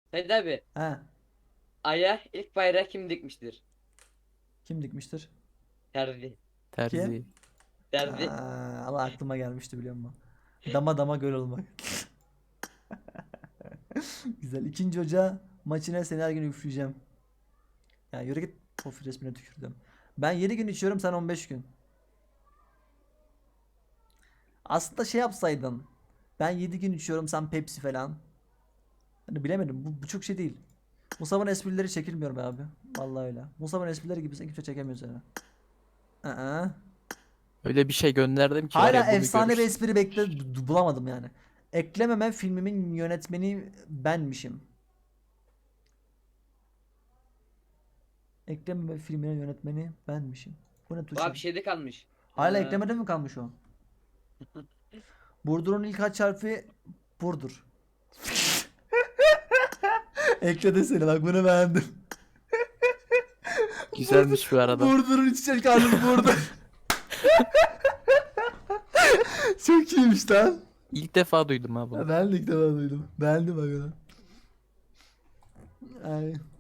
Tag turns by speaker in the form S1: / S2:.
S1: Sait abi.
S2: He.
S1: Ay'a ilk bayrağı kim dikmiştir?
S2: Kim dikmiştir?
S1: Terzi.
S2: Kim?
S3: Terzi.
S1: Terzi.
S2: Aa, Allah aklıma gelmişti biliyor musun? Dama dama göl olmak. Güzel. 2. Ocağı maçına seni her gün üfleyeceğim. Ya yürü git. Of resmine tükürdüm. Ben 7 gün içiyorum, sen 15 gün. Aslında şey yapsaydın. Ben 7 gün içiyorum, sen Pepsi falan. Hani bilemedim. Bu çok şey değil. Musab'ın esprileri çekilmiyor be abi. Vallahi öyle. Musab'ın esprileri gibi kimse çekemiyor seni. Aa.
S3: Öyle bir şey gönderdim ki var
S2: Hala
S3: ya, bunu
S2: efsane bir
S3: görürsün.
S2: espri bulamadım yani. Eklememe filmimin yönetmeni benmişim. Eklememe filminin yönetmeni benmişim. Bu ne
S1: Bu
S2: tuşu?
S1: abi şeyde kalmış.
S2: Hala eklemede mi kalmış o? Burdur'un ilk kaç harfi? Burdur. Ekle seni, bak bunu beğendim.
S3: Güzelmiş bu arada.
S2: Burdur'un içecek harfi Burdur. Çok iyiymiş lan.
S3: İlk defa duydum ha bunu.
S2: Ben de ilk defa duydum. Beğendim bak onu. Ay.